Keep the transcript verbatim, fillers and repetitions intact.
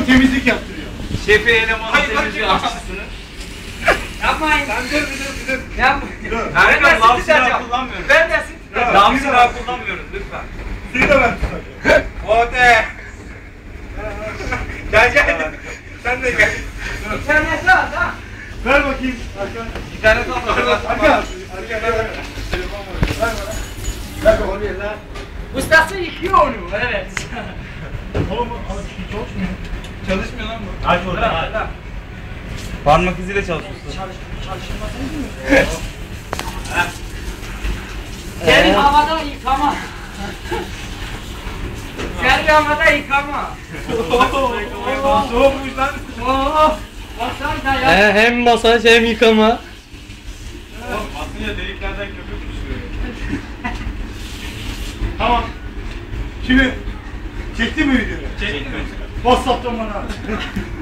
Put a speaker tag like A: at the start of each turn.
A: Bu temizlik yaptırıyor.
B: Şefi elemanı temizliyor aşçısını.
C: Yapmayın.
A: Sen dur bir dur bir dur.
C: Yapmayın.
B: Erkan lav silahı kullanmıyoruz.
C: Ben de sıkacağım.
B: Lav silahı kullanmıyoruz lütfen.
A: Suyu da ben tutacağım.
B: Ode. Gel gel. Sen de gel.
C: İnternete at ha.
A: Ver bakayım. Arkan.
B: İnternet alma.
A: Arkan. Arkan ver bana. Telefon var. Ver bana. Ver bana.
C: Ustası yıkıyor onu. Evet.
A: Oğlum abi hiç çalışmıyor.
B: Çalışmıyor lan bu.
A: Aç oradan aç.
B: Parmak iziyle çalışıyorsun.
C: Seni havada yıkama. Seni havada yıkama.
A: Soğukmuş lan.
C: Oo. Baksana ya.
D: He, hem masaj hem yıkama.
B: Aslında deliklerden köpük düşüyor.
A: Tamam. Şimdi çekti mi videoyu?
B: Çekti mi?
A: WhatsApp'tan bana.